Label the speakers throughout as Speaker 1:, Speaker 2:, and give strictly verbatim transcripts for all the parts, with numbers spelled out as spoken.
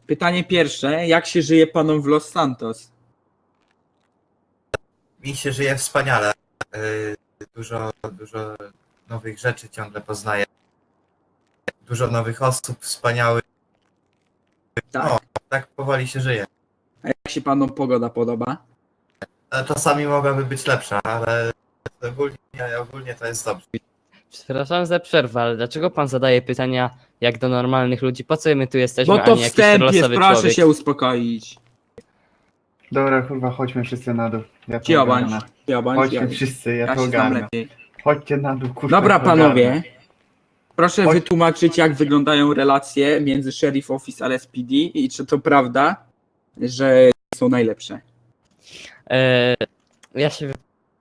Speaker 1: Pytanie pierwsze, jak się żyje panom w Los Santos?
Speaker 2: Mi się żyje wspaniale. Yy, Dużo, dużo nowych rzeczy ciągle poznaję. Dużo nowych osób wspaniałych.
Speaker 1: Tak.
Speaker 2: No, tak powoli się żyje.
Speaker 1: A jak się panom pogoda podoba?
Speaker 2: E, Czasami mogłaby być lepsza, ale ogólnie, ogólnie to jest dobrze.
Speaker 3: Przepraszam za przerwę, ale dlaczego pan zadaje pytania jak do normalnych ludzi? Po co my tu jesteśmy,
Speaker 1: Bo
Speaker 3: a
Speaker 1: to
Speaker 3: nie jakiś
Speaker 1: wstęp jest,
Speaker 3: losowy
Speaker 1: proszę
Speaker 3: człowiek?
Speaker 1: się uspokoić.
Speaker 4: Dobra, kurwa, chodźmy wszyscy na dół. Ja to
Speaker 1: Ciobądź,
Speaker 4: ogarnę.
Speaker 1: ciobądź,
Speaker 4: Chodźmy
Speaker 1: ja,
Speaker 4: wszyscy, ja,
Speaker 1: ja
Speaker 4: to
Speaker 1: się znam
Speaker 4: ogarnę.
Speaker 1: lepiej.
Speaker 4: Chodźcie na dół, kurwa.
Speaker 1: Dobra
Speaker 4: ja to ogarnę.
Speaker 1: panowie, proszę
Speaker 4: Chodź.
Speaker 1: wytłumaczyć, jak wyglądają relacje między Sheriff Office a L S P D i czy to prawda, że są najlepsze.
Speaker 3: E, ja się... wy-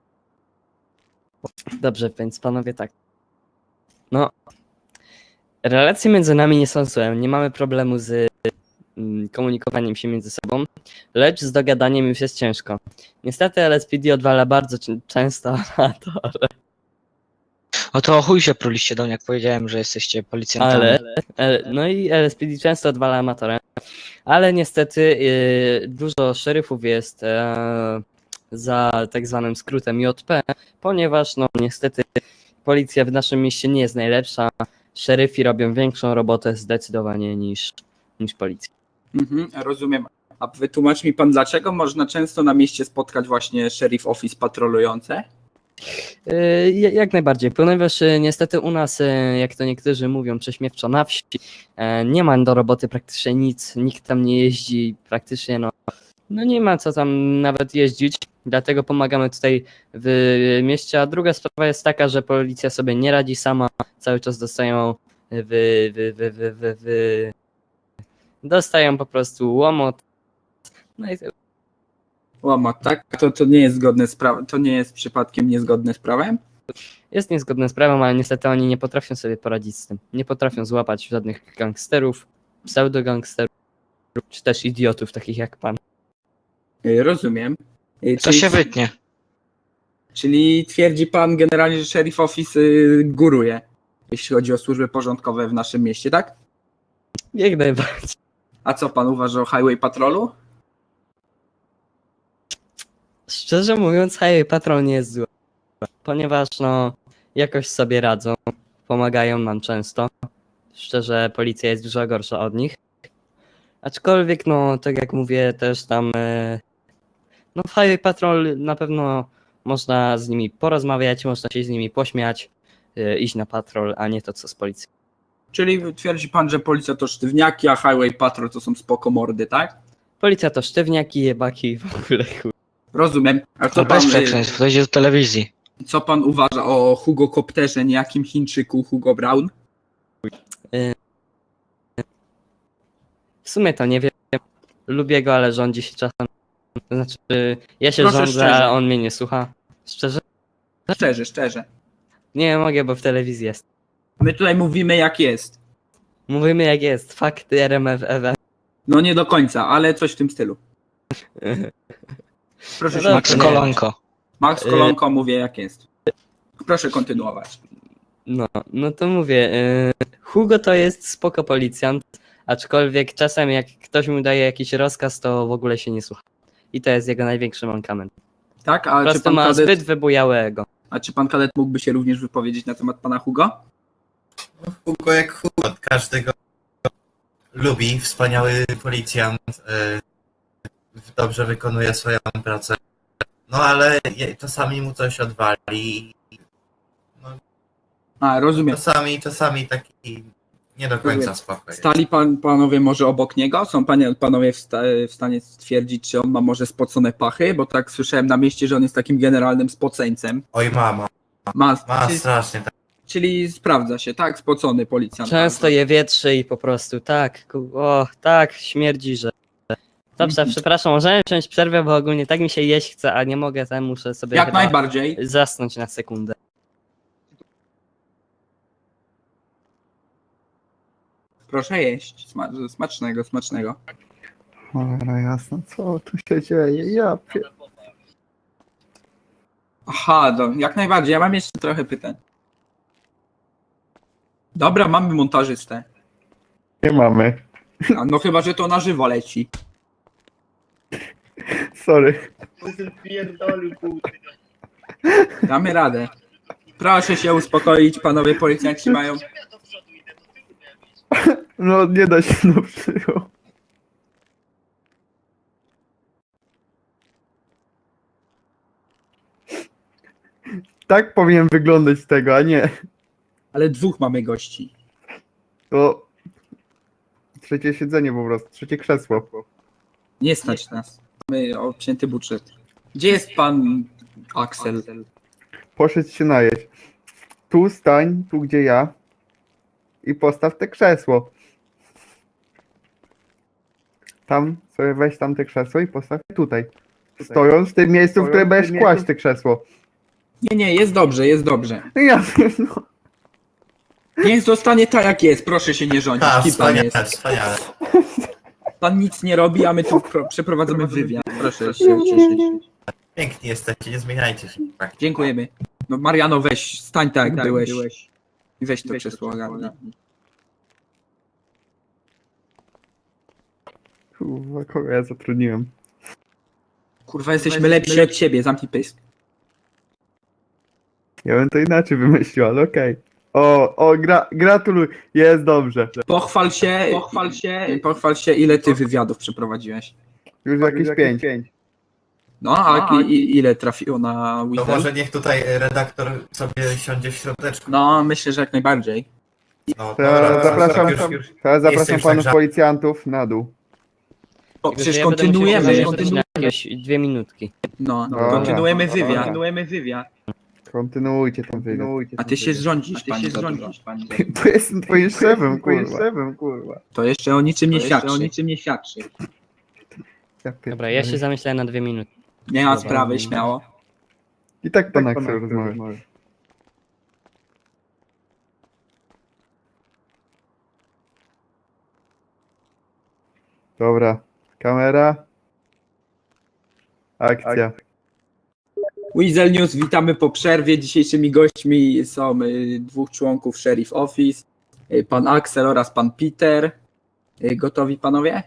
Speaker 3: Dobrze, więc panowie tak. No, relacje między nami nie są złe, nie mamy problemu z mm, komunikowaniem się między sobą, lecz z dogadaniem już jest ciężko. Niestety L S P D odwala bardzo czę- często amatorę,
Speaker 5: O to o chuj się pruliście do mnie, jak powiedziałem, że jesteście policjantami.
Speaker 3: ale... e, No i L S P D często odwala amatorę, ale niestety e, dużo szeryfów jest e, za tak zwanym skrótem J P, ponieważ no niestety policja w naszym mieście nie jest najlepsza. Szeryfi robią większą robotę zdecydowanie niż, niż policja.
Speaker 1: Mhm, rozumiem. A wytłumacz mi pan, dlaczego można często na mieście spotkać właśnie Sheriff Office patrolujące?
Speaker 3: Yy, Jak najbardziej, ponieważ yy, niestety u nas, yy, jak to niektórzy mówią prześmiewczo, na wsi yy, nie ma do roboty praktycznie nic, nikt tam nie jeździ, praktycznie no, no nie ma co tam nawet jeździć, dlatego pomagamy tutaj w mieście, a druga sprawa jest taka, że policja sobie nie radzi sama, cały czas dostają w, w, w, w, w, w dostają po prostu łomot, no i
Speaker 1: Łamot, tak? To, to nie jest zgodne z prawem, to nie jest przypadkiem niezgodne z prawem?
Speaker 3: jest niezgodne z prawem, ale niestety oni nie potrafią sobie poradzić z tym. Nie potrafią złapać żadnych gangsterów, pseudogangsterów, czy też idiotów takich jak pan.
Speaker 1: Y, Rozumiem. Y,
Speaker 5: To się wytnie.
Speaker 1: Czyli twierdzi pan generalnie, że Sheriff Office y, góruje, jeśli chodzi o służby porządkowe w naszym mieście, tak?
Speaker 3: Jak najbardziej.
Speaker 1: A co pan uważa o Highway Patrolu?
Speaker 3: Szczerze mówiąc, Highway Patrol nie jest zły, ponieważ no jakoś sobie radzą, pomagają nam często. Szczerze, policja jest dużo gorsza od nich. Aczkolwiek, no tak jak mówię, też tam e, no w Highway Patrol na pewno można z nimi porozmawiać, można się z nimi pośmiać, e, iść na patrol, a nie to co z policją.
Speaker 1: Czyli twierdzi pan, że policja to sztywniaki, a Highway Patrol to są spoko mordy, tak?
Speaker 3: Policja to sztywniaki, jebaki i w ogóle chuj.
Speaker 1: Rozumiem. A
Speaker 5: To
Speaker 1: co pan,
Speaker 5: bez
Speaker 1: y,
Speaker 5: przekleństw, to idzie do telewizji.
Speaker 1: co pan uważa o Hugo Kopterze, niejakim Chińczyku Hugo Brown?
Speaker 3: W sumie to nie wiem, lubię go, ale rządzi się czasem. To znaczy, ja się
Speaker 1: Proszę
Speaker 3: rządzę,
Speaker 1: szczerze.
Speaker 3: a on mnie nie słucha. Szczerze?
Speaker 1: Szczerze, szczerze.
Speaker 3: Nie mogę, bo w telewizji jest.
Speaker 1: My tutaj mówimy jak jest.
Speaker 3: Mówimy jak jest, fakty R M F F.
Speaker 1: No nie do końca, ale coś w tym stylu. Proszę
Speaker 3: No
Speaker 1: się
Speaker 5: Max
Speaker 3: nie.
Speaker 5: Kolonko.
Speaker 1: Max Kolonko mówię jak jest. Proszę kontynuować.
Speaker 3: No, no to mówię, y, Hugo to jest spoko policjant, aczkolwiek czasem jak ktoś mu daje jakiś rozkaz, to w ogóle się nie słucha. I to jest jego największy mankament.
Speaker 1: Tak?
Speaker 3: Po
Speaker 1: A czy,
Speaker 3: prostu
Speaker 1: pan
Speaker 3: ma
Speaker 1: kadet,
Speaker 3: zbyt wybujałe ego.
Speaker 1: a czy pan kadet mógłby się również wypowiedzieć na temat pana Hugo?
Speaker 2: No, Hugo jak Hugo, każdy go lubi, wspaniały policjant, yy, dobrze wykonuje swoją pracę. No ale je- czasami mu coś odwali. No,
Speaker 1: A, rozumiem.
Speaker 2: czasami, czasami taki nie do końca
Speaker 1: Rozumiem.
Speaker 2: spokojny.
Speaker 1: Stali pan, panowie może obok niego? Są panie, panowie w, sta, w stanie stwierdzić, czy on ma może spocone pachy? Bo tak słyszałem na mieście, że on jest takim generalnym spoceńcem.
Speaker 2: Oj mama,
Speaker 1: Ma,
Speaker 2: ma
Speaker 1: czyli,
Speaker 2: strasznie tak.
Speaker 1: czyli sprawdza się, tak? Spocony policjant.
Speaker 3: Często je wietrzy i po prostu tak, ku- o, tak, śmierdzi, że... Dobrze,
Speaker 1: Mhm.
Speaker 3: przepraszam, możemy wziąć przerwę, bo ogólnie tak mi się jeść chce, a nie mogę, to muszę sobie
Speaker 1: Jak
Speaker 3: chyba
Speaker 1: najbardziej.
Speaker 3: zasnąć na sekundę.
Speaker 1: Proszę jeść. Sma, smacznego, smacznego.
Speaker 4: Cholera jasna, co tu się dzieje? Ja pie...
Speaker 1: Aha, do, jak najbardziej. Ja mam jeszcze trochę pytań. Dobra, mamy montażystę.
Speaker 4: Nie mamy.
Speaker 1: A no chyba, że to na żywo leci.
Speaker 4: Sorry.
Speaker 1: Damy radę. Proszę się uspokoić, panowie policjanci mają...
Speaker 4: No nie da się no przyjął. Tak powinien wyglądać z tego, a nie.
Speaker 1: Ale dwóch mamy gości.
Speaker 4: To trzecie siedzenie po prostu, trzecie krzesło.
Speaker 1: Nie stać nas. Mamy obcięty budżet. Gdzie jest pan Axel?
Speaker 4: Poszedł się najeść. Tu stań, tu gdzie ja. I postaw te krzesło. Tam sobie weź tam te krzesło i postaw je tutaj. Stojąc w tym miejscu, w którym będziesz kłaść te krzesło.
Speaker 1: Nie, nie, jest dobrze, jest dobrze.
Speaker 4: No ja wiem, no.
Speaker 1: Niech zostanie tak jak jest, proszę się nie rządzić.
Speaker 2: A,
Speaker 1: Kim pan
Speaker 2: wspaniale,
Speaker 1: jest?
Speaker 2: wspaniale.
Speaker 1: Pan nic nie robi, a my tu pro- przeprowadzamy wywiad. Proszę się ucieszyć.
Speaker 2: Piękni jesteście, nie zmieniajcie się. Tak.
Speaker 1: Dziękujemy. No Mariano, weź, stań tak jak byłeś. I weź to krzesło, ogarnij.
Speaker 4: Kurwa, kogo ja zatrudniłem?
Speaker 1: Kurwa, jesteśmy lepsi od ciebie, zamknij pysk.
Speaker 4: Ja bym to inaczej wymyślił, ale okej. O, o, gra, gratuluj, jest dobrze.
Speaker 1: Pochwal się, pochwal się, pochwal się, ile ty wywiadów przeprowadziłeś.
Speaker 4: Już jakieś pięć.
Speaker 1: No, a i, i, ile trafiło na
Speaker 2: To
Speaker 1: Wizard?
Speaker 2: może niech tutaj redaktor sobie siądzie w środeczku.
Speaker 1: No, myślę, że jak najbardziej.
Speaker 2: No,
Speaker 4: To ja zapraszam,
Speaker 2: już, już,
Speaker 4: teraz
Speaker 2: Jestem
Speaker 4: zapraszam
Speaker 2: już
Speaker 4: panów
Speaker 2: tak
Speaker 4: policjantów na dół.
Speaker 1: O,
Speaker 3: Tylko, że
Speaker 1: przecież
Speaker 3: ja będę musiał
Speaker 1: kontynuujemy,
Speaker 3: jeszcze
Speaker 1: kontynuujemy.
Speaker 3: na jakieś dwie minutki.
Speaker 1: No,
Speaker 4: Dobra.
Speaker 1: kontynuujemy
Speaker 4: Dobra.
Speaker 1: wywiad. Kontynuujemy wywiad.
Speaker 4: Kontynuujcie ten wywiad.
Speaker 1: A ty się rządzisz, panie rządzisz, panie.
Speaker 4: Bo jestem twoim szefem, kurwa.
Speaker 1: To jeszcze o niczym nie świadczy. O niczym nie świadczy.
Speaker 4: Ja
Speaker 3: Dobra, ja się zamyślałem na dwie minuty.
Speaker 1: Nie ma
Speaker 3: Dobra.
Speaker 1: sprawy, śmiało.
Speaker 4: I tak pan Axel rozmawia. Dobra, kamera. Akcja.
Speaker 1: Weasel News, witamy po przerwie. Dzisiejszymi gośćmi są y, dwóch członków Sheriff Office, y, pan Axel oraz pan Peter. Y, Gotowi panowie?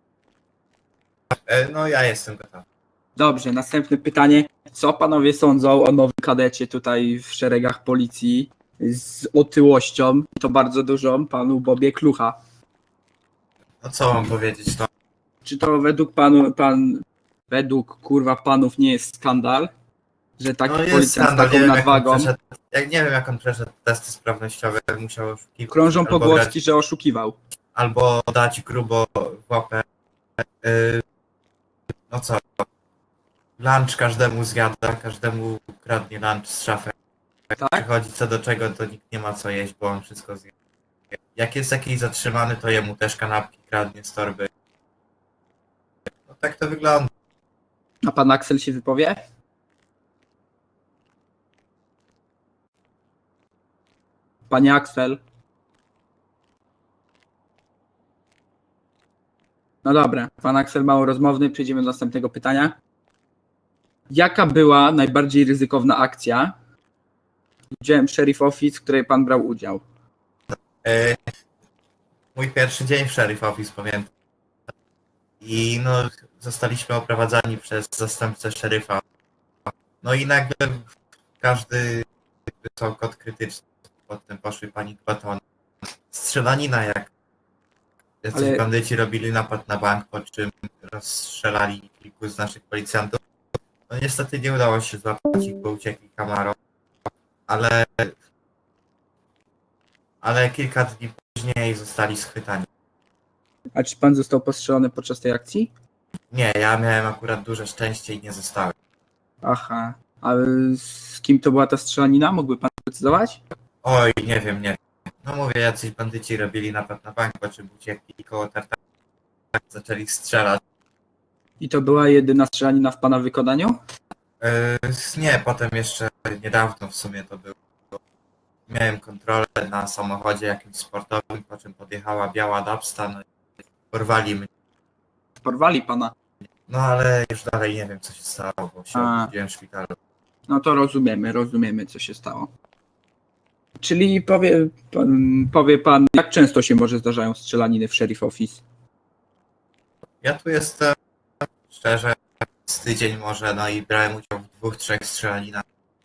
Speaker 2: e, no ja jestem gotowy.
Speaker 1: Dobrze, następne pytanie. Co panowie sądzą o nowym kadecie tutaj w szeregach policji z otyłością, i to bardzo dużą, panu Bobie Klucha?
Speaker 2: No co mam powiedzieć, no.
Speaker 1: Czy to według panu, pan, według kurwa panów nie jest skandal, że taki
Speaker 2: No jest
Speaker 1: policjant z
Speaker 2: skandal, nie
Speaker 1: taką
Speaker 2: wiem, jak on
Speaker 1: nadwagą?
Speaker 2: przeszedł, jak nie wiem jak on przeszedł testy sprawnościowe, musiał oszukiwać.
Speaker 1: Krążą
Speaker 2: albo
Speaker 1: pogłoski, że oszukiwał.
Speaker 2: Albo dać grubo w łapę. Yy, no co? Lunch każdemu zjada, każdemu kradnie lunch z szafy.
Speaker 1: Tak?
Speaker 2: Przychodzi co do czego, to nikt nie ma co jeść, bo on wszystko zje. Jak jest jakiś zatrzymany, to jemu też kanapki kradnie z torby. No tak to wygląda.
Speaker 1: A pan Axel się wypowie? Panie Axel. No dobra, pan Axel mało rozmowny, przejdziemy do następnego pytania. Jaka była najbardziej ryzykowna akcja z udziałem Sheriff Office, w której pan brał udział?
Speaker 2: Yy, mój pierwszy dzień w Sheriff Office, pamiętam. I no, zostaliśmy oprowadzani przez zastępcę szeryfa. No i nagle każdy wysłał kod krytyczny. Potem poszły panik batony. Strzelanina jak jacyś
Speaker 1: Ale-
Speaker 2: bandyci robili napad na bank, po czym rozstrzelali kilku z naszych policjantów. No niestety nie udało się złapać ich, bo uciekli kamerą. Ale ale kilka dni później zostali schwytani.
Speaker 1: A czy pan został postrzelony podczas tej akcji?
Speaker 2: Nie, ja miałem akurat duże szczęście i nie zostałem.
Speaker 1: Aha. A z kim to była ta strzelanina? Mógłby pan precyzować?
Speaker 2: Oj, nie wiem, nie wiem. No mówię, jacyś bandyci robili napad na bank, po czym uciekli koło tartaka, zaczęli strzelać.
Speaker 1: I to była jedyna strzelanina w pana wykonaniu?
Speaker 2: Yy, nie, potem jeszcze niedawno w sumie to było. Miałem kontrolę na samochodzie jakimś sportowym, po czym podjechała biała Dabsta, no i porwali mnie.
Speaker 1: Porwali pana.
Speaker 2: No ale już dalej nie wiem, co się stało, bo się
Speaker 1: A.
Speaker 2: obudziłem w szpitalu.
Speaker 1: No to rozumiemy, rozumiemy, co się stało. Czyli powie pan, powie pan, jak często się może zdarzają strzelaniny w Sheriff Office?
Speaker 2: Ja tu jestem szczerze z tydzień może, no i brałem udział w dwóch, trzech strzelaninach.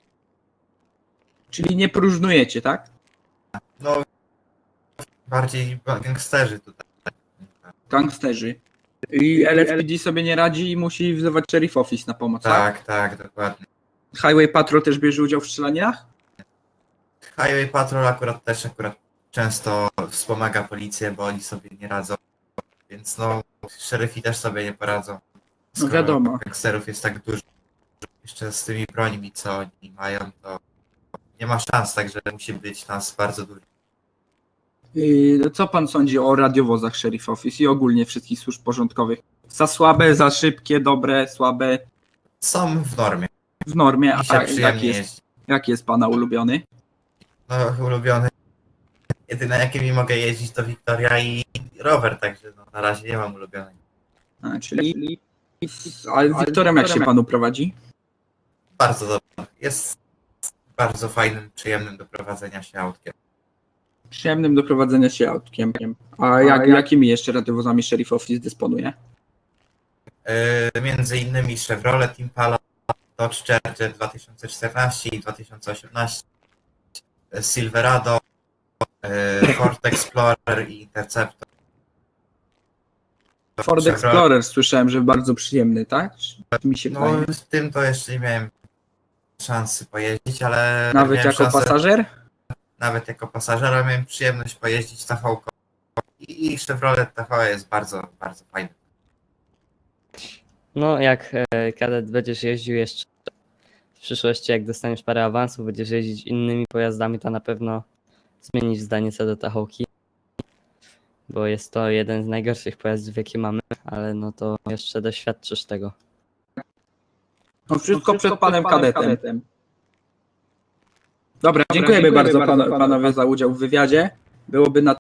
Speaker 1: Czyli nie próżnujecie, tak?
Speaker 2: No bardziej gangsterzy tutaj.
Speaker 1: Gangsterzy. I L S P D sobie nie radzi i musi wzywać Sheriff Office na pomoc, tak?
Speaker 2: Tak, tak, dokładnie.
Speaker 1: Highway Patrol też bierze udział w strzelaninach?
Speaker 2: Highway Patrol akurat też akurat często wspomaga policję, bo oni sobie nie radzą. Więc no, szeryfi też sobie nie poradzą.
Speaker 1: No wiadomo.
Speaker 2: Gangsterów jest tak dużo. Jeszcze z tymi brońmi, co oni mają, to nie ma szans, także musi być nas bardzo dużo.
Speaker 1: Yy, Co pan sądzi o radiowozach Sheriff Office i ogólnie wszystkich służb porządkowych? Za słabe, za szybkie, dobre, słabe?
Speaker 2: Są w normie.
Speaker 1: W normie,
Speaker 2: Mi się
Speaker 1: a jaki
Speaker 2: przyjemnie
Speaker 1: jest,
Speaker 2: jeździ.
Speaker 1: jaki jest pana ulubiony?
Speaker 2: No, ulubiony. Jedyne jakimi mogę jeździć to Wiktoria i rower, także no, na razie nie mam ulubionego.
Speaker 1: A, czyli... Ale z Wiktorem jak się panu prowadzi?
Speaker 2: Bardzo dobrze. Jest bardzo fajnym, przyjemnym do prowadzenia się autkiem.
Speaker 1: Przyjemnym do prowadzenia się autkiem. A jak, jakimi jeszcze radiowozami Sheriff Office dysponuje?
Speaker 2: Yy, między innymi Chevrolet Impala, Dodge Charger dwa tysiące czternaście i dwa tysiące osiemnaście, Silverado, yy, Ford Explorer i Interceptor.
Speaker 1: Ford
Speaker 2: Chevrolet-
Speaker 1: Explorer słyszałem, że bardzo przyjemny, tak? Mi się
Speaker 2: No,
Speaker 1: wydaje.
Speaker 2: z tym to jeszcze nie miałem szansy pojeździć, ale
Speaker 1: Nawet
Speaker 2: miałem
Speaker 1: jako
Speaker 2: szansę,
Speaker 1: pasażer?
Speaker 2: nawet jako pasażera miałem przyjemność pojeździć T V K. I Chevrolet T V jest bardzo, bardzo fajny.
Speaker 3: No, jak e, kadet będziesz jeździł jeszcze w przyszłości, jak dostaniesz parę awansów, będziesz jeździć innymi pojazdami, to na pewno zmienisz zdanie co do Tahoki, bo jest to jeden z najgorszych pojazdów, jakie mamy, ale no to jeszcze doświadczysz tego.
Speaker 1: No wszystko przed panem kadetem. Dobra, dziękujemy bardzo panu, panowie za udział w wywiadzie. Byłoby na